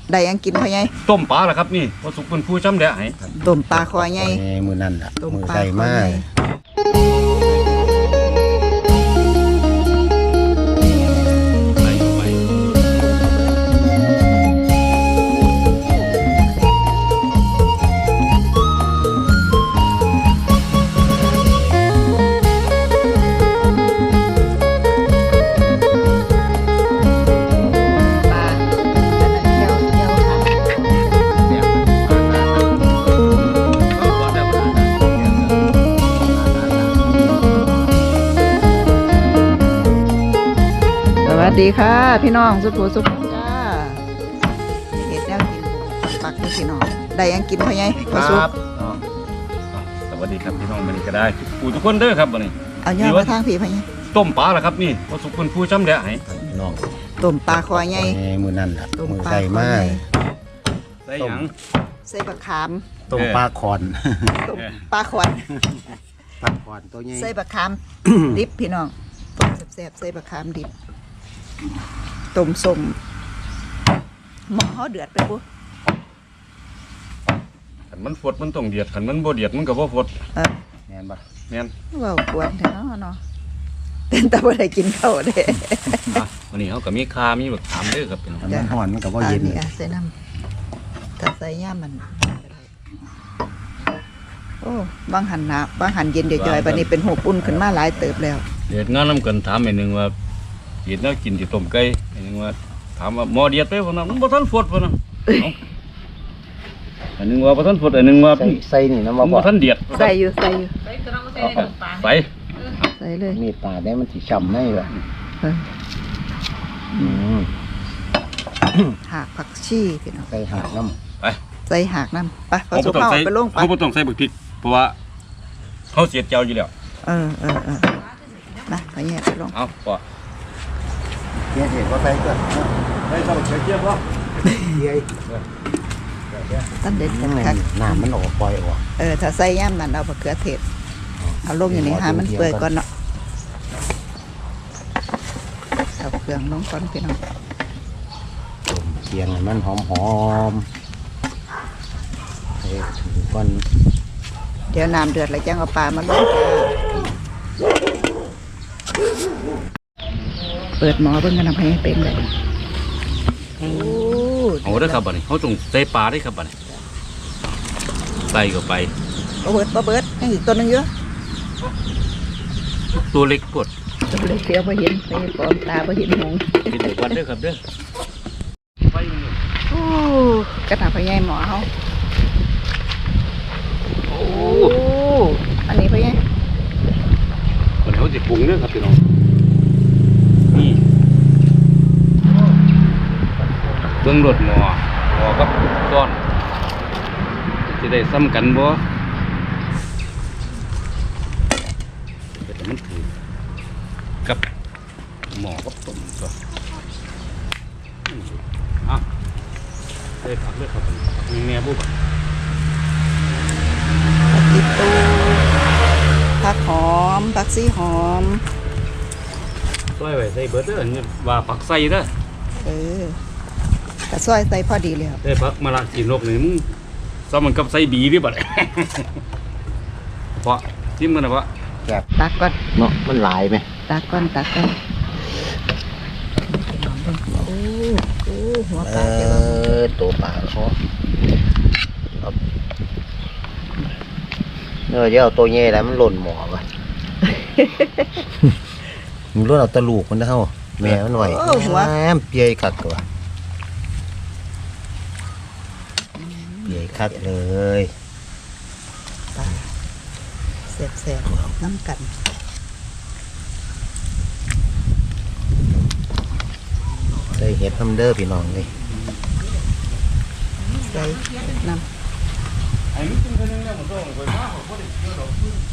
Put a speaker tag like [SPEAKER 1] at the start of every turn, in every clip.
[SPEAKER 1] ได้ยังกินพ่อใหญ่
[SPEAKER 2] ต้มปลาล่ะครับนี่พอสุกเป็นผู้จำแดะให้
[SPEAKER 1] ต้มปลาคอใหญ่
[SPEAKER 3] มือนั่นล่ะ
[SPEAKER 1] ต้ม
[SPEAKER 3] มือ
[SPEAKER 1] ปลา
[SPEAKER 3] ใส่
[SPEAKER 1] คอ
[SPEAKER 3] มา
[SPEAKER 1] ใหญ่
[SPEAKER 2] ใส่เข้าไป
[SPEAKER 1] ปลาอันนั้นเจียวค่ะสวัสดีค่ะพี่น้องสุภูสุขจ้าเห็ดแนวกินปักนี่พี่น้องได้ยังกินพ่อใหญ่พ่อสุก
[SPEAKER 2] สวัสดีครับพี่น้องวันนี้ก็ได้ผู้ทุกคนเด้อครับวันนี้
[SPEAKER 1] เอาเนื้อมาทางพี่พ่อใหญ่
[SPEAKER 2] ต้มปลาล่ะครับนี่พอสุกเป็นผู้จำแดะให้
[SPEAKER 3] น้อง
[SPEAKER 1] ต้มปลาคอใหญ่
[SPEAKER 3] มือนั่นล่ะ
[SPEAKER 1] ต้ม
[SPEAKER 3] มือ
[SPEAKER 1] ปลา
[SPEAKER 3] ใส่
[SPEAKER 1] คอ
[SPEAKER 3] มา
[SPEAKER 1] ใหญ่
[SPEAKER 2] ใส่หยัง
[SPEAKER 1] ใส่บะขาม
[SPEAKER 3] ต้มปลาคอน
[SPEAKER 1] ต้มปลาขวัญ
[SPEAKER 3] ปลาคอนตัวใหญ่
[SPEAKER 1] ใส่บะขาม ดิบพี่น้องต้มแซ่บๆใส่บะขามดิบต้มส้มหม้อเขาเดือดไปปุ๊บ
[SPEAKER 2] ขันมันฟดมันต้องเดียดขันมันบ่เดียดมันก็บ่ฟด
[SPEAKER 3] แม่นบ่
[SPEAKER 2] แม่น
[SPEAKER 1] ว่ากวนเถอะเนาะเป็นตาบ่ได้กินข้าวเด้
[SPEAKER 2] วันนี้เขาก็มีคามีแบบถามเด้อครับพี่น้อง
[SPEAKER 3] มันห่อนมันก็บ่เย็น
[SPEAKER 1] นี่ใส่น้ำถ้าใส่ย่ามันโอ้บางหันหนาบางหันเย็นจ่อยๆบัดนี้เป็นหูปุ่นขึ้นมาหลายเติบแล้ว
[SPEAKER 2] เดียดงานน้ำกันถามไอ้หนึ่งว่าเห็ดแล้วกินที่ต้มไก่ไอ้หนึ่งว่าถามว่าหมอเดียดไปวะนะมันบ่ทันฟดวะนะอันหนึ่งว่าบ่ทันฟดอันหนึ่งว่า
[SPEAKER 3] ใส่นี่น้ำ
[SPEAKER 2] มัน
[SPEAKER 3] บ่
[SPEAKER 2] บ่ทันเดียด
[SPEAKER 1] ใส่อยู่
[SPEAKER 2] ใส่
[SPEAKER 1] ใส่เลย
[SPEAKER 3] มีดปลาได้มันสิช้ำในล่ะ
[SPEAKER 1] เออ
[SPEAKER 3] อืม
[SPEAKER 1] หากผักชีพี่น้อง
[SPEAKER 3] ใส่หากน้
[SPEAKER 2] ไป
[SPEAKER 1] ใส่หากน้ำไปพอ
[SPEAKER 2] เขา
[SPEAKER 1] สุ
[SPEAKER 2] บ่
[SPEAKER 1] ก
[SPEAKER 2] ต้อง
[SPEAKER 1] เข้า
[SPEAKER 2] ใส่
[SPEAKER 1] ไปลงไป
[SPEAKER 2] เขาบ่ต้องใส่บักพริกเพราะว่าเขาเสียเจียวอยู่แล้ว
[SPEAKER 1] เออนะขอแยกไปลง
[SPEAKER 2] เอาพอ
[SPEAKER 3] ำเกี่ยเห็ดว่าใส่ก็
[SPEAKER 2] ใส่ใส่บักเจียวพอ
[SPEAKER 3] เกี่ย
[SPEAKER 1] ตั้งเด็ด
[SPEAKER 3] ยังไง
[SPEAKER 1] คัก
[SPEAKER 3] น้ำมันออกปล่อยออก
[SPEAKER 1] ถ้าใส่ย่ำมันเอามะเขือเทศเอาลงอย่างนี้หามันเปื่อยก่อนเนาะเอาเครื่องลงก่อนพี่น้อง
[SPEAKER 3] เคียงให้มันหอมๆให้ถึงก่อน
[SPEAKER 1] เดี๋ยวน้ำเดือดแล้วจังเอาปลามาลงเปิดหม้อเบิ่งกันทำให้เป็นเลยโอ้
[SPEAKER 2] เอาเด้อครับบัดนี้เขาต้องใส่ปลาได้ครับบัดนี้ใส่เข้าไป
[SPEAKER 1] บ่เบิดยังอีกตัวหนึงเยอะ
[SPEAKER 2] ตัวเล็กปวด
[SPEAKER 1] ตัวเล็กเดียวบ่เห็นไปปลอมตาบ่เห็นหง
[SPEAKER 2] กินเด็กวันเด้อครับเด้อไปมันอยู่
[SPEAKER 1] โอ้กระถางพะยายหมอเฮาโอ้อันนี้พะยาย
[SPEAKER 2] วันนี้เขาจะปรุงเด้อครับพี่น้องนี่เบิ่งรสหม้อกับก้อนจะได้ซ้ำกันบ่แต่มันถือกับหม้อกับต้มตัวอ่ะได้ผักด้วยครับผักมีแม่บุบ
[SPEAKER 1] ผักอีตูผักหอมผักซีหอม
[SPEAKER 2] ซอยไว้ใส่เบิดเด้อนี่ว่าผักใส่เด้อก
[SPEAKER 1] ระซอยใส่พอดีแล้ว
[SPEAKER 2] ได้ผักมะละกินนกนี่มึงซ้ำมันกับใส่บีหรือเปล่า เพราะจิ้มกันนะวะ
[SPEAKER 1] ตักก่อน
[SPEAKER 3] เนาะมันหลายไหม
[SPEAKER 1] ตักก่อนโอ้หัวปลาเดี๋ยว
[SPEAKER 3] ตัวปลาเขาเดี๋ยวเอาตัวใหญ่แล้วมันหล่นหมอป่ะ มันหล่นเอาตะลูกมันเท่าแม่มันหน่อยแม่เปียคักตัวเปียคักเลย
[SPEAKER 1] ปลาแซ่บๆน้ำกัน
[SPEAKER 3] ใส่เห็ดทำเด้อพี่น้องเลย
[SPEAKER 1] ใส่น้ำ
[SPEAKER 2] ไอ้นี่กินคนนึงเนี่ยผมต้องไปมาผมก็ได้เจอดอก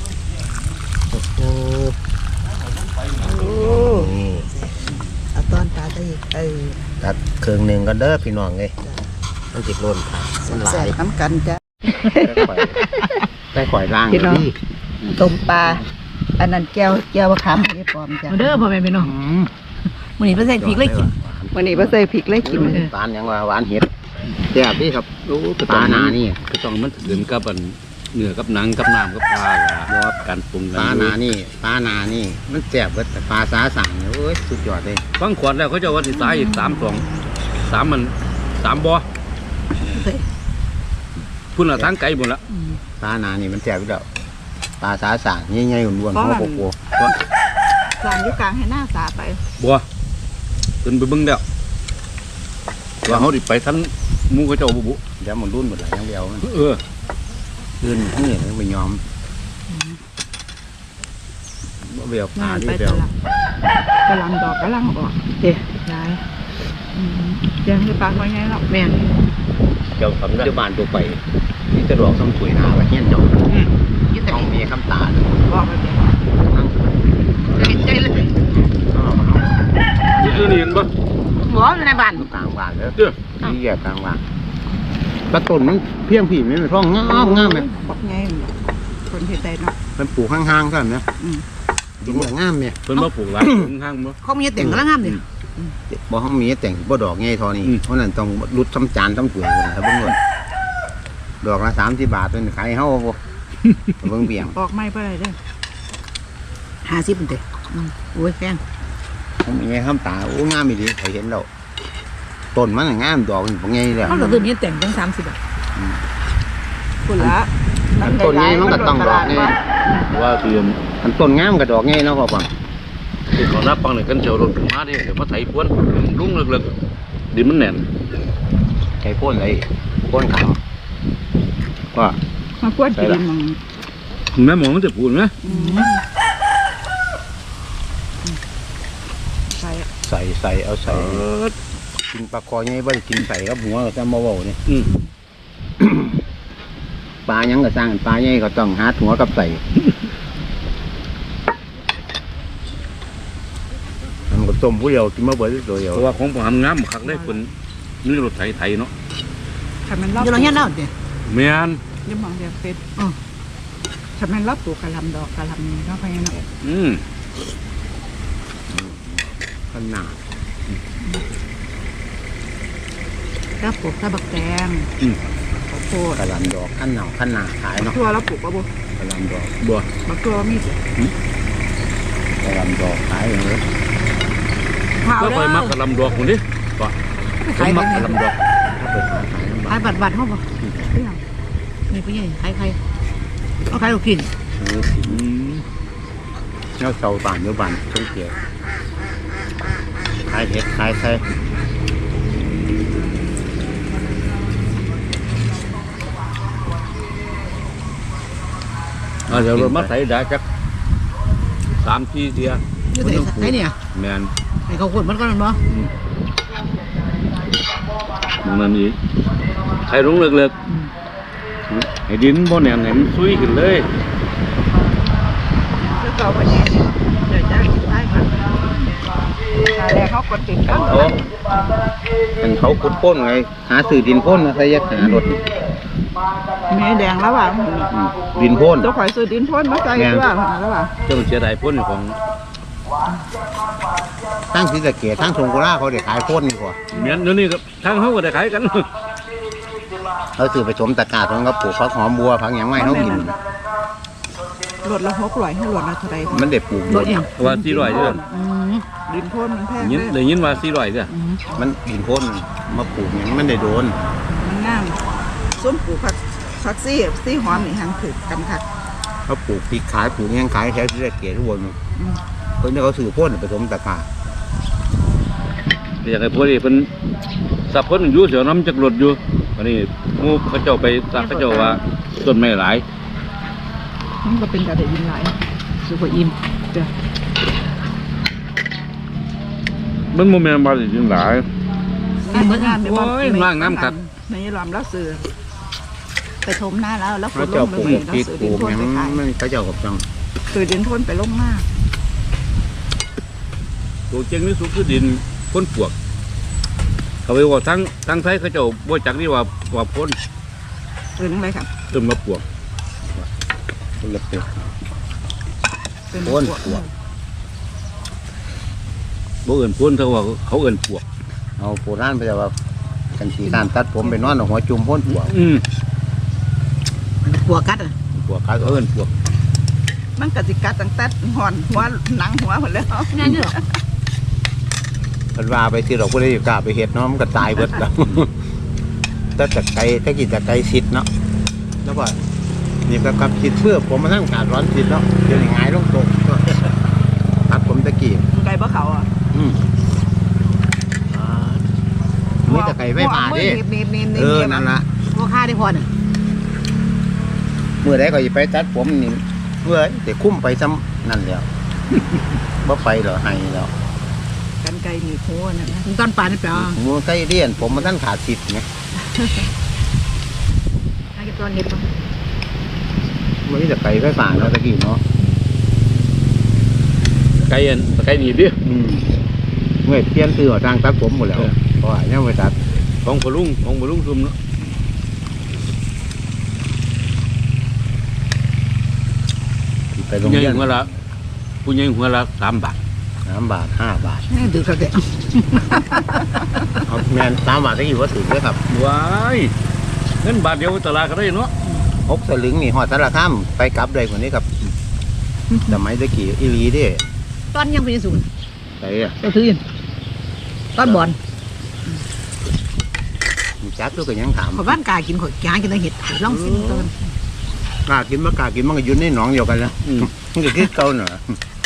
[SPEAKER 1] โอ้
[SPEAKER 3] นี่
[SPEAKER 1] เอาตอนปลาได้อีก
[SPEAKER 3] ตัดเครื่องหนึ่งก็เด้อพี่น้องเลยมันจิตล้นผ่ามันหลา
[SPEAKER 1] แซ่
[SPEAKER 3] ย
[SPEAKER 1] บน้ำกันจ้ะ
[SPEAKER 3] ได้ข่อยล่าง
[SPEAKER 1] พี่น้อง
[SPEAKER 3] นี่
[SPEAKER 1] ต้มปลาอันนั้นแก้วมะขามไม่ปลอมจ้ะ
[SPEAKER 4] เด้อพ่อแม่พี่น้องมื้อนี้เพิ่นใส่พริกเลยกิน
[SPEAKER 1] วันนี้บ่ใส่พริกเลยกิน
[SPEAKER 3] หวานยังว่าหวานเห็ดแซ่บดีครับ
[SPEAKER 2] โอ้ก็
[SPEAKER 3] ป
[SPEAKER 2] ต้
[SPEAKER 3] ลา
[SPEAKER 2] อง
[SPEAKER 3] หนานี่
[SPEAKER 2] ก็ต้องมันถึงกับอันเนื้อกับหนังกับน้ำกับปลาล่ะเพราะว่าการปรุงกั
[SPEAKER 3] ปลาหนานี่ปลาหนานี่มันแซ่บเบิดแต่ปลาสาสั่งเนี่ยโอ้ยสุดยอดเลย
[SPEAKER 2] ฟังขวดแล้วเขาจะว่าสิตายอีก3 มัน3บ่อพุ่นละทางไกลหมดละ
[SPEAKER 3] ปลาหนานี่มันแซ่บอยู่แล้วปลาสาสั่งใหญ่ๆอ้วนๆหัวโปก
[SPEAKER 1] สานอยู่กลางให้หน้าสาไป
[SPEAKER 2] บัวขึ้นไปเบิ่งแล้วว่าเขาดิไปทันหมูเขาเจ้าบุ
[SPEAKER 3] ๆเดี๋ยวมันรุ่นหมดแล้วยังเดียวมัน
[SPEAKER 2] เออ
[SPEAKER 3] ขึ้นนี่ไม่ยอมบ่เบียวปลาที่
[SPEAKER 1] ไป
[SPEAKER 3] เบียว
[SPEAKER 1] กำลังดอกกำลังออกเด็ดยายยังคือปลาเขาไงหรอกแม่น
[SPEAKER 3] เจ้าทำได้บ้านตัวไปนี่จะดอกซ้ำสวยหนาไว้เงี้ยเจ้าต้องมีคำตา
[SPEAKER 1] บอกไปเด็ด
[SPEAKER 3] นั่ง
[SPEAKER 1] เห็นใจเลย
[SPEAKER 2] นี่คือนี่เห็นปะ
[SPEAKER 1] หัวในบ้าน
[SPEAKER 3] กลางบ้านแล้ว
[SPEAKER 2] เด้อ
[SPEAKER 3] นี่แยกกลางบ้านกระต้นมันเพียงผีไม่เป็นร่องงามเลย
[SPEAKER 1] บอกไงคนเห็นใจเนาะ
[SPEAKER 3] มันปลูกข้างๆกันนะดินงามเนี่ย
[SPEAKER 2] เพิ่นมาปลูกหลายข้างๆบ่
[SPEAKER 1] เขามีแต่งกำลังงามเลย
[SPEAKER 3] บ่ห้องมีแต่งบ่ดอกไงทอนี่
[SPEAKER 2] อืม
[SPEAKER 3] เพราะนั้นต้องรุดซ้ำจานซ้ำถ้วยเลยครับเบิ่งก่อนดอกละ30 บาทเป็นขายเฮาบ่เบิ่งเบี่ยง
[SPEAKER 1] ออกไม่ไปเลยเด้อ50เป็นเด้โอ้ยแพง
[SPEAKER 3] ผมมีไงคำตาโอ้งามอีหลีเคยเห็นแล้วต้นมันน่ะงามดอกมันบ่ไงแล้ว
[SPEAKER 1] เขาเราตัวนี้แต่งตั้ง30 บาทคุณละ
[SPEAKER 3] อันต้นนี้มันก็ต้องดอกไง
[SPEAKER 2] ว่าเตรียม
[SPEAKER 3] อันต้นงามกับดอกไงเนาะพ่อปัง
[SPEAKER 2] ที่เขานับปังเนี่ยกันเจียวรถขึ้นมาดิเดี๋ยวมาไถพวนลุ่งเลิกๆดินมันแน่น
[SPEAKER 3] ใช้พ่นเลยพ่นขาวว่า
[SPEAKER 1] มาพวดกินมัง
[SPEAKER 2] แม่หมอมันจะพูดไหม
[SPEAKER 1] ใส่
[SPEAKER 3] ใส่เอาใส่กินปลาคอไงบ่ได้กินใส่กับหัวก็จะมาเว้านี่
[SPEAKER 2] อืม
[SPEAKER 3] ปลายังก็สร้างปลาใหญ่ก็ต้องหาหัวกับใส่มันก็ต้มผู้เดียวกินมาเบิดตัวเดียว
[SPEAKER 2] เพราะว่าของผมทำงามคักได้คนนี่รถไถเนาะ
[SPEAKER 1] ทำมันรอบเราเนี้ยเนาะเดี๋ยว
[SPEAKER 2] แม่น
[SPEAKER 1] ยังมองเดี๋ยวเป็นทำมันรอบปลูกกะลำดอกกะลำนี้เนาะไปเนาะ
[SPEAKER 2] อืม
[SPEAKER 3] ขนาด
[SPEAKER 1] แล้วปลูกตะบักแตงข้าวโพด
[SPEAKER 3] กระหลำดอกขั้นหนาวขั้นหนาขายเนาะ
[SPEAKER 1] ตัวแล้วปลูกปะบุ
[SPEAKER 3] กระหลำดอก
[SPEAKER 2] บัว
[SPEAKER 1] บักตัวมีสิ
[SPEAKER 3] กระหลำดอกขายอย่างนี้
[SPEAKER 1] เผา
[SPEAKER 2] ก็
[SPEAKER 1] แล้
[SPEAKER 2] ไปมักกระลำดอกคนนี้ก็ผมมักกระลำดอก
[SPEAKER 3] ถ้าไปขายน้ำ
[SPEAKER 1] ขายบัตรเขาบ่นี่เป็นยังไงขายเอาขายลูกกิน
[SPEAKER 2] อืม
[SPEAKER 3] แล้วเสาบานอยู่บานช่องเกียร์ขายเห็ดขายไส้
[SPEAKER 2] เดี๋ยวรถมาไถได้จัก3-4เที่ย
[SPEAKER 1] นี่ไอ้เนี่ย
[SPEAKER 2] แม่น
[SPEAKER 1] ไอ้ข้าวโพดมันก็นั่นบ่
[SPEAKER 2] มันนี่ไถลงเลิกๆให้ดินบ่แน่นให้มันซุยขึ้นเลย
[SPEAKER 1] แล้วก็วันนี้เดี๋ยวจะกินได้ค่ะแต่เขากดติดกัน
[SPEAKER 3] เป็นเขาขุดพ่นไงหาสื่อดินพ่นมาใส่ยักษ์หารถ
[SPEAKER 1] แม่แดงแล้วว่ะ
[SPEAKER 3] ดินพ่น
[SPEAKER 1] ตัวข่อยซื้อดินพ่นมาใส่ด้วยแล้วว่ะ
[SPEAKER 2] เจ้าเสียดายพ้นของ
[SPEAKER 3] ทั้งศรีสะเกษทั้งสงขลาเขาได้ขายพ่นดีกว่า
[SPEAKER 2] เมียนเดี๋ยวนี้ก็ทางเขาก็ได้ขายกัน
[SPEAKER 3] เขาซื้อไปสมตะกร้าของเขาปลูกผักหอมบัวผักหยังไม่เขากิน
[SPEAKER 1] รถละ600ให้รถละเท่าใด
[SPEAKER 3] มันได้ปลูก
[SPEAKER 1] รถอย่าง
[SPEAKER 2] ว่า400เด้อ
[SPEAKER 1] ดินพ่นมันแพง
[SPEAKER 2] ยิน
[SPEAKER 1] เลย
[SPEAKER 2] ได้ยินว่า400เด้อ
[SPEAKER 3] มันดินพ่นมาปลูกหยังมันได้โดน
[SPEAKER 1] มันงามส้มปลูกผักซี่หอมนี่หันถือกันค่ะ
[SPEAKER 3] เขาปลูกพริกขายปลูกหยังขายแถวศรีสะเกษทุกคนคนที่เขาซื้อพ่นไปสมตะกร้า
[SPEAKER 2] อยากให้พวกนี้เพิ่นสับเพิ่นอยู่เสียวน้ำจักรถอยู่วันนี้หมู่เขาเจ้าไปสักเขาเจ้าว่าต้นไม้หลาย
[SPEAKER 1] มันก็เป็นกระเดียนหลายสุกอิ่มเด้อ
[SPEAKER 2] มันบ่แม่นว่าสิกินหลาย
[SPEAKER 1] งานในบ้าน
[SPEAKER 2] โอ้ยร่างน้ำกัด
[SPEAKER 1] ในลำแล้วซื้อไปถมหน้าแล้ว
[SPEAKER 3] เขา
[SPEAKER 1] ล
[SPEAKER 3] เจ้าง ปลูก
[SPEAKER 1] แล้ว
[SPEAKER 3] พริก
[SPEAKER 1] ซื้อ
[SPEAKER 3] ป
[SPEAKER 1] ดิ
[SPEAKER 3] ลู
[SPEAKER 1] น
[SPEAKER 3] ก
[SPEAKER 1] พ่น
[SPEAKER 3] หยัง
[SPEAKER 1] ไปขาย
[SPEAKER 3] มันเขาเจ้ากับจัง
[SPEAKER 1] ซื้อดินพ่นไปลงหน้า
[SPEAKER 2] ตัวเจงนี่สุดคือดินพ้นปวก เขาไปว่าทั้งไทยเขาเจ้าบ่จักนี่ว่าพ้น
[SPEAKER 1] เป็นอะไรครับ
[SPEAKER 2] ต้นมะปวก
[SPEAKER 3] คนละปลูก
[SPEAKER 1] เป็น
[SPEAKER 3] พ่น
[SPEAKER 1] พวก
[SPEAKER 3] ปวก
[SPEAKER 2] บ่เอิ้นพ้นเท่าว่าเขาเอิ้นปวก
[SPEAKER 3] เอาโบราณไปแต่ว่ากันสีการตัดผมไปนอนเอาหัวจุ่มพ่นหัว
[SPEAKER 4] ปวกกัดอ่ะ
[SPEAKER 3] หัวกาเอิ้นพวก
[SPEAKER 1] มันก็สิกัดตั้งแต่หอนหัวหนังหัวหมดแล้ว
[SPEAKER 4] งั้นเหรอ
[SPEAKER 3] เพิ่นว่าไปที่เราบ่ได้กล้าไปเฮ็ดเนาะมันก็ตายเบิดแล้ว แต่ไก่ถ้ากินแต่ไก่สิทธิ์เนาะแล้วก็นี่ก็กับสิทธิ์เพื่อผมมาทั้งการร้อนสิทธิ์เนาะเดี๋ยวนี้หงายลงตก ตัดผมตะกี้
[SPEAKER 1] ไก่บ่เขาอ่ะ
[SPEAKER 3] มีแต่ไก่ไฟฟ้าดิ
[SPEAKER 1] นี่
[SPEAKER 3] นั่นล่ะ
[SPEAKER 4] พวกข้าได้พอน่ะ
[SPEAKER 3] เมื่อใดก็สิไปตัดผมนี่เมื่อแต่คุ้มไปซ้ำนั่นแล้ว บ่ไปเหรอให้แล้ว
[SPEAKER 1] กันไก่หนีหัวนั่นนะ
[SPEAKER 4] ตอนป่านนี่เปล่า
[SPEAKER 3] หัวไก่เลี้ยนผมมันท่านขาดสิทธิ์ไง
[SPEAKER 4] ให้ตอนเห็ดป่ะ
[SPEAKER 3] มันมีแต่ไก่ไฟฟ้าเนาะตะกี้เนาะ
[SPEAKER 2] ไก่หนีดิ
[SPEAKER 3] เมื่อเปลี่ยนตื้อทางตัดผมหมดแล้วเพราะว่ายังไม่ตัด
[SPEAKER 2] ของพลุงซุ่มเนาะ
[SPEAKER 3] ไปโรง
[SPEAKER 2] ใหญ่
[SPEAKER 3] เรียน
[SPEAKER 2] หัวละผู้ใหญ่หัวละ3 บาท
[SPEAKER 3] 3 บาท 5 บาท
[SPEAKER 4] ดื้อเขาแก่
[SPEAKER 3] เอาแมน3 บาทตะกี้ว่าถึงเลยครับ
[SPEAKER 2] ว้ายเงินบาทเดียวตลาดก็ได้เนาะ
[SPEAKER 3] 6 สลึงนี่หอดสารคามไปกลับเลยกว่านี้ครับสมัยตะกี้อีหลีเดิ
[SPEAKER 4] ตอนยังเป็นศูนย์
[SPEAKER 3] ไปอ่ะ
[SPEAKER 4] ก็คือตอนบอล
[SPEAKER 3] จักตัวก็ยังถาม
[SPEAKER 4] ขอบ้านกากินขอหากินแต่เห็ดลองสิตอน
[SPEAKER 3] กล้ากินบ่กล้ากินมันก็อยู่ในหนองเดียวกันนะมันก็คือเก่าเนาะ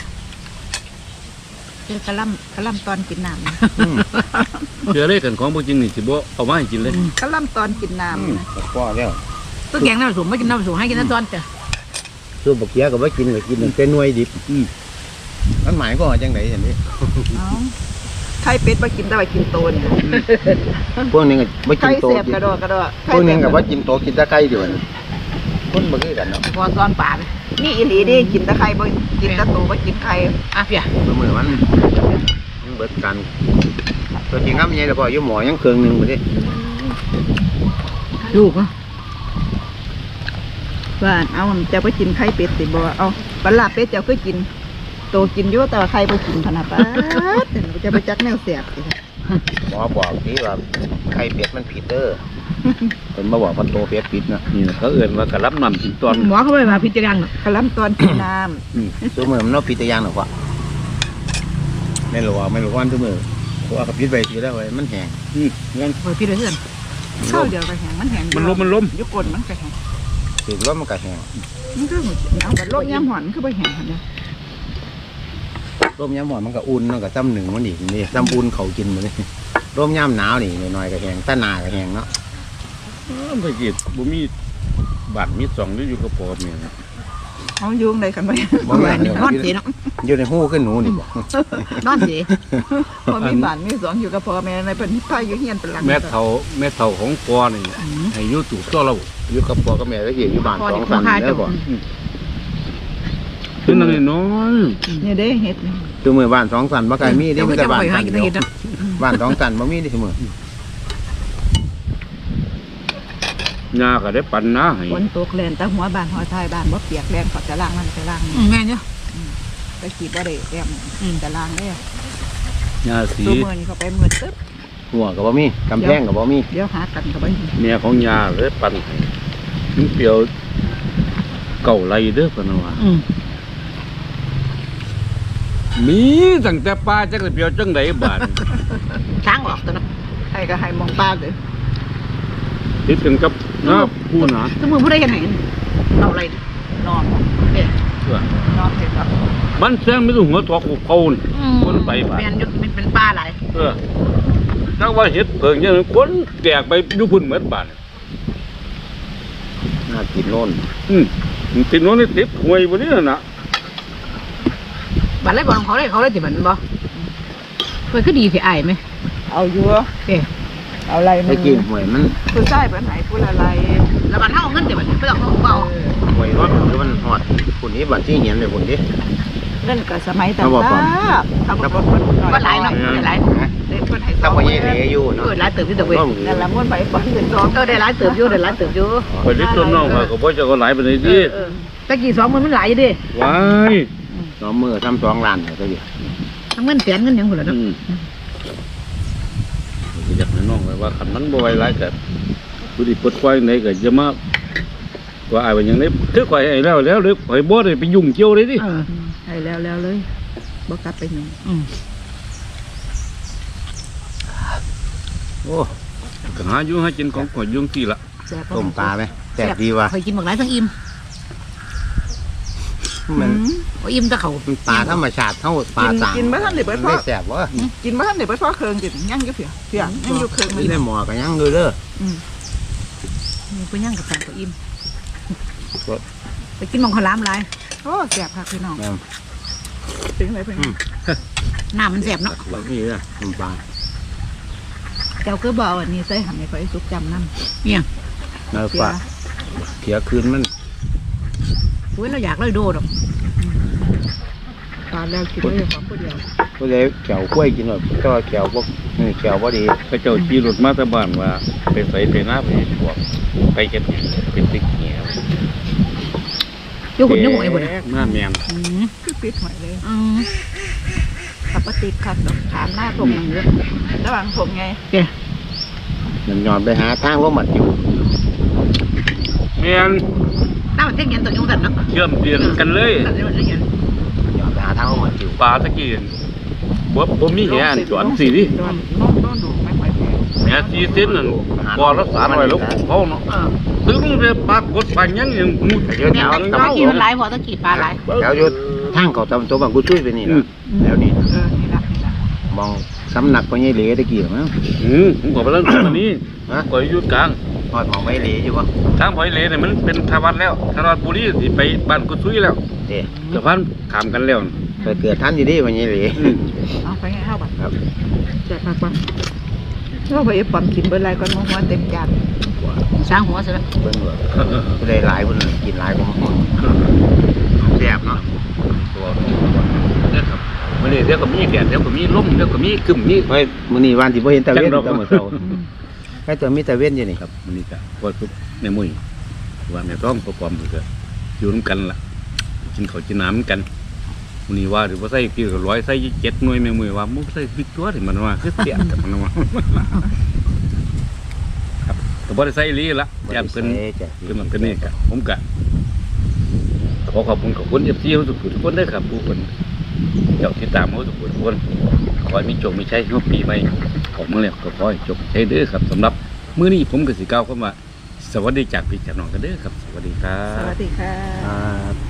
[SPEAKER 1] กระลำตอนกินน้ำนะ
[SPEAKER 2] เชื่อเลยกันของบ่จริงนี่สิบ่เอามาให้กินเลย
[SPEAKER 1] กระลำตอนกินน้ำนะ
[SPEAKER 3] พ่อแล้ว
[SPEAKER 4] ตัวแกงน้ำผสมไม่กินน้ำผสมให้กินแต่ตอนจ้ะ
[SPEAKER 3] ส่วนบักเขียก็บ่กินก็กินแต่หน่วยดิบมันหมายก็ว่าจังได๋ซั่นนี่
[SPEAKER 1] เอาไข่เป็ดมากินได้ไปกินโตน
[SPEAKER 3] พวกนี้ก็บ่กิ
[SPEAKER 1] ไข่
[SPEAKER 3] นโต
[SPEAKER 1] เสียบ
[SPEAKER 3] กิน
[SPEAKER 1] กระโดด
[SPEAKER 3] พวกนี้ก็บ่กินโตกินแต่ไข่เดียวนี่คนบ่คือกันเนาะ
[SPEAKER 4] พอตอนป่าเลย
[SPEAKER 1] นี่อีหลีดิกินแต่ไข่บ่กินแต่โตบ่กินไข่
[SPEAKER 4] อ่ะเปีย
[SPEAKER 3] มื้อมันเบิดกันตัวจริงครับใหญ่แล้วก็อยู่หมอยังเครื่องนึงบ่ดิ
[SPEAKER 4] ลูกเนาะ
[SPEAKER 1] ว่าเอาจะไปกินไข่เป็ดสิบ่เอาปลาเป็ดเจ้าก็กินโตกินอยู่แต่ว่าไข่บ่กินพะนะป้าดจะไปจักแนวเสียบสิ
[SPEAKER 3] หมอบอกที่ว่าไข่เป็ดมันผิดเด้อเพิ่นมาบอกว่าโตเป็ดผิดนะ
[SPEAKER 2] นี่นะเขาเอื่นว่ากระลับน้ำกินตอน
[SPEAKER 4] หมอเขาไปมาพิจารณาเนาะ
[SPEAKER 1] กระลำตอนกินน้ำ
[SPEAKER 3] ตัวมือมันเนาะผิดแต่อย่างหรอกว่าไม่รู้ว่าตัวมือเพราะว่ากับผิดไปสิแล้วเว้ยมันแห้ง
[SPEAKER 2] งั้น
[SPEAKER 4] คอยพิจารณา
[SPEAKER 1] ข้าวเดียวก็แห้งมันแห้ง
[SPEAKER 2] มันล้ม
[SPEAKER 1] ยุกนมันก็แห้ง
[SPEAKER 3] ถึงว่ามันก็แห้ง
[SPEAKER 1] มันก็เอาแบบโลกย่ำหอนคือบ่แห้งหั่นเด้อ
[SPEAKER 3] ร่มยามหมอนมันก็อุ่นมันก็ซ้ำหนึ่งมันอีกนี่ซ้ำอุ่นเขากินมันนี่ร่มยามหนาวนี่หน่อยๆก็แห้งตาหนาก็แห้งเนาะ
[SPEAKER 2] ไปกินบ่มีบาทมี2ได้อยู่กับพ่อแม่นะ
[SPEAKER 1] เอายุงได้กันบ่
[SPEAKER 3] บ่แม่น
[SPEAKER 4] นอนเสียเนาะ
[SPEAKER 3] อยู่ในหูขึ้นหนูนี่บ่
[SPEAKER 4] นอนเสีย
[SPEAKER 1] พอมีบ้านมีสองอยู่กับพ่อแม่ในเพิ่นพาอยู่เฮียนเป็นหลัง
[SPEAKER 2] แม่เฒ่าของพ่อนี่ให้อยู่ตู่ตัวเรา
[SPEAKER 3] อยู่กับพ่อกับแม่ก็อยู่บ้าน
[SPEAKER 4] พอ
[SPEAKER 3] สอ
[SPEAKER 4] เด็
[SPEAKER 3] ง
[SPEAKER 4] ก
[SPEAKER 3] สัน
[SPEAKER 4] คาย
[SPEAKER 3] แล้
[SPEAKER 4] ตัว
[SPEAKER 3] วบ่
[SPEAKER 2] คือนั่นน้อย
[SPEAKER 1] นี่เด้เฮ็ดนี่
[SPEAKER 3] ตัวมือบ้านสองสันบ่ไกลมี
[SPEAKER 4] เดี๋
[SPEAKER 3] เด้
[SPEAKER 4] ยว
[SPEAKER 3] มี
[SPEAKER 4] จะ
[SPEAKER 3] แต่
[SPEAKER 4] ไป
[SPEAKER 3] บ้าน
[SPEAKER 4] หา
[SPEAKER 3] สัน
[SPEAKER 4] กิน
[SPEAKER 3] เดี
[SPEAKER 4] แต่
[SPEAKER 3] ยว
[SPEAKER 4] เห็ดเนาะ
[SPEAKER 3] บ้านสองสันบ่มีเด้เสมอ
[SPEAKER 2] ยาก็ได้ปันนะให้
[SPEAKER 1] ฝนตกแลนแต่หัวบ้านหัวท้ายบ้านบ่เปียกแรงเขาจะล้างมันจะล้าง
[SPEAKER 4] แม่เนี่ย
[SPEAKER 1] ไปขี่บ่ได้แอมจะล้างเด้
[SPEAKER 2] ยาสี
[SPEAKER 1] ตัวมื้อนี้เขาไปมื้อตึ๊บ
[SPEAKER 3] หัวก็บ่มีกำแพงก็บ่มี
[SPEAKER 1] เดี๋ยวหากันก็บ่มี
[SPEAKER 2] แม่ของยาเลยปันให้มันเปรียวเก่าไรเด้อเพิ่นว่ามีตั้งแต่ป้าจักได้เปรียวจังไดบาด
[SPEAKER 4] ช้างออกตัวเนาะ
[SPEAKER 1] ให้ก็ให้มองป้าเลย
[SPEAKER 2] ติดกันกับน้าผู้หนา
[SPEAKER 4] สมมติผู้ใดกันไหนเราอะไร
[SPEAKER 1] นอน
[SPEAKER 4] เนี่ย
[SPEAKER 1] นอนเสร็จแล้ว
[SPEAKER 2] บ้านแซงไม่ต้องหัวทอกเขานี่ คนไปบ้าน
[SPEAKER 4] เป็นยุเป็นป้าหลาย
[SPEAKER 2] ถ้าว่าเห็ดเพิงอย่างนั้นคนแตกไปดูพุ่นเหมือนบ้าน
[SPEAKER 3] น่ากินโน่น
[SPEAKER 2] ติดโน้นนี่ติดหวยบนนี้นะ
[SPEAKER 4] บัตรไรบอกของเขาได้ติดบัตรบ่เพื่อนก็ดีสิอายไหม
[SPEAKER 1] เอาอยู่
[SPEAKER 4] เอ๊ะ
[SPEAKER 1] เอาอะไร
[SPEAKER 3] ไอ้กินหวยมัน
[SPEAKER 1] ผู้ชายเป็นไหนผู้อะไร
[SPEAKER 4] แล้วบัตรเท่าเงินติดบัตรไม่ต้องเบา
[SPEAKER 3] หวยร้อนหรือมันฮอดคนนี้บัดที่เหียนเลยคนนี้
[SPEAKER 1] เล่นกับสมัยต่าง
[SPEAKER 3] เขาบอกก่อน
[SPEAKER 1] ทำรถมันหน่อย
[SPEAKER 4] ก็หลายเนาะหลาย
[SPEAKER 1] เด็กคนไทย
[SPEAKER 3] ถ้าพ่อใหญ่เหลยอยู่
[SPEAKER 4] เอ
[SPEAKER 3] เนาะ
[SPEAKER 4] อหลายเติบที่ตะเวน
[SPEAKER 1] นั่นละม้วนไปปอนถึงสอง
[SPEAKER 4] ได้หลายเติบอยู่ได้หลายเติบอยู่
[SPEAKER 2] ไปเล็กต้นน้องเขาก็บ่จะก็หลายไปเลยดิ
[SPEAKER 4] ตะกี้2มันหลายอยู่ดิ
[SPEAKER 2] ว้าย
[SPEAKER 3] สองมือทำ2 ล้านก็อยู่
[SPEAKER 4] ทั้งเงินแสนเงินยังหมดแล้วเนาะ
[SPEAKER 2] อยากให้น้องไปว่าคันมันบ่ไหวหลายก็ผู้ที่ปลดปล่อยไหนก็จะมาว่าอายว่าหยังไดคือข่อยให้แล้วหรือข่อยบ่ได้ไปยุ่งเกี่ยวเลยดิ
[SPEAKER 1] ให้แล้วเลยบ่กลับไปหนึ่ง
[SPEAKER 3] โอ้
[SPEAKER 2] ก็หาอยู่หากินของข่อยอยู่ที่ละ
[SPEAKER 1] แซ่บ
[SPEAKER 3] ต้มปลาไหมแซ่บดีว่ะ
[SPEAKER 4] เคยกินบักหลายทั้งอิ่ม
[SPEAKER 3] มัน
[SPEAKER 4] โอ้อิ่มแตะเขา
[SPEAKER 3] มันปลาธรรมชาติเท่าปลาต่าง
[SPEAKER 1] กินบ่ทันได้เบิดพอ
[SPEAKER 3] ไม่แซ่บวะ
[SPEAKER 1] กินบ่ทันได้เบิดพอเครื่องกินยังอยู่เพียยังอยู่เครื่อง
[SPEAKER 3] ไม่ได้หมอกันยังเลยเด้อ
[SPEAKER 4] มีผู้ย่างกับแฟนก็อิ่มไปกินหมองข้าวหลามหลาย
[SPEAKER 1] โอ้แซ่บค่ะพี่น้อง
[SPEAKER 3] แม่น
[SPEAKER 1] ถึงไหนเพิ่น
[SPEAKER 4] น้ำมันแสบเนาะ
[SPEAKER 3] บางทีนะต้มปลา
[SPEAKER 1] เจ้าก็บ่เอาอันนี้ใส่หั่นให้ข่อยสุกจำนำ
[SPEAKER 4] เนี่ย
[SPEAKER 3] เนื้อปลาเขียคืนมัน
[SPEAKER 4] โอ้ยเราอยากเลยโดดอก
[SPEAKER 1] ตอนแล้วกินได้ของผู้เดียว
[SPEAKER 3] ก็เลยแขวกล้วยกินหน่อยแต่ว่าแขวพวกนี่แขวพอดี
[SPEAKER 2] พระเจ้าขี่รถมาแต่บ้านว่าไปใส่ไปหน้าไปพวกไปเก็บเป็นติ๊กเหี้ย
[SPEAKER 4] อยู่หุ่นอยู่หวยบ่น
[SPEAKER 2] หน้าแม่น
[SPEAKER 1] คือปิดหอยเลยขับปฏิคัดถามหน้าผมอย่างเงี้ยระหว่างผมไง
[SPEAKER 3] มันยอนไปหาทางว่าหมัดอยู่
[SPEAKER 2] แม่น
[SPEAKER 4] น้ำมันเท่งเย็นตัวยุ่งสันเนาะ
[SPEAKER 2] เชื่อมเตียนกันเลย
[SPEAKER 4] สันนี่มันเท่งเย็น
[SPEAKER 3] ยอนไปหาทางว่าหมัดอยู่
[SPEAKER 2] ปลาตะกี้บ่มีแหนจวนสิดิ
[SPEAKER 1] น้องดูไม่ค่อยแพง
[SPEAKER 2] แหน4เซนนั่นบ่ละ300แล้วเขาเนาะถึงได้ปลากดปลายังยังมุด
[SPEAKER 3] เดี๋ยวแถว
[SPEAKER 4] ตะกี้มันหลายพอตะกี้ปลาหลาย
[SPEAKER 3] แถวอยู่ทางเขาตำตัวบางกุช่วยไปนี่แหละแล้วนี่
[SPEAKER 1] นี่ละ
[SPEAKER 3] มองสำนักพญเหลตะกี้มั้ง
[SPEAKER 2] ผมก็ไปเล่นอันนี้
[SPEAKER 3] ฮะ
[SPEAKER 2] ก็อยู่กลาง
[SPEAKER 3] ทอดมองพญเหลอยู่ปะ
[SPEAKER 2] ทางพอยเลเนี่ยมันเป็นทวัดแล้วทวัดบุรีสิไปบ้านกุซุยแล้ว
[SPEAKER 3] เอ๊ะ
[SPEAKER 2] สะพานขามกันแล้ว
[SPEAKER 3] ไปเกิดท่านอยู่ดิพญเหล
[SPEAKER 1] เอาไปไงเข้าบัตร
[SPEAKER 3] ครับ
[SPEAKER 1] แจกมากกว่าเราไปปั๊มกินเบอร์ไรก่อนมองว่าเต็มจาน
[SPEAKER 4] สร้างหัวซะแล้ว
[SPEAKER 3] เพิ่นว่าผู้ใดหลายคนกินหลายกว่าหมดแซ่บเนาะ
[SPEAKER 2] ตัวเนี่ยครับวันนี้เดี๋ยวก็มีแดดเดี๋ยวก็มีลมเดี๋ยวก็มีกึ่มมี
[SPEAKER 3] เฮ้ยมื้อนี้วันที่บ่เห็นตะเวน
[SPEAKER 2] จังดอก
[SPEAKER 3] ตะมื้อเช้าแค่จะมีตะเวนอยู่นี่
[SPEAKER 2] ครับวันนี้ก็พอทุกแม่มุ้ยว่าแม่ต้องประกอบก็อยู่ร่วมกันล่ะกินข้าวกินน้ำกันวันนี้ว่าหรือว่าใส่กี่ร้อยใส่7 หน่วยแม่มุ้ยว่ามุ้ใส่ผิดตัวที่มันว่าคือเสียแต่มันว่าครับแต่บ่ได้ใส่อีหลีละย่านเพิ่น คือมันเป็นนี่ครับผมกะขอขอบคุณเอฟซีทุกคนด้วยครับผู้คนเจ้าที่ตามเขาทุกคนขอให้มีโชคมีชัยในปีใหม่ออกมาแล้วก็ขอให้โชคชัยเด้อครับสำหรับมื้อนี้ผมก็สิกล่าวคำว่าสวัสดีจากพี่จากน้องกันเด้อครับสวัสดีครั
[SPEAKER 1] สวั
[SPEAKER 2] บ
[SPEAKER 1] สดีค่ะ
[SPEAKER 3] ครับ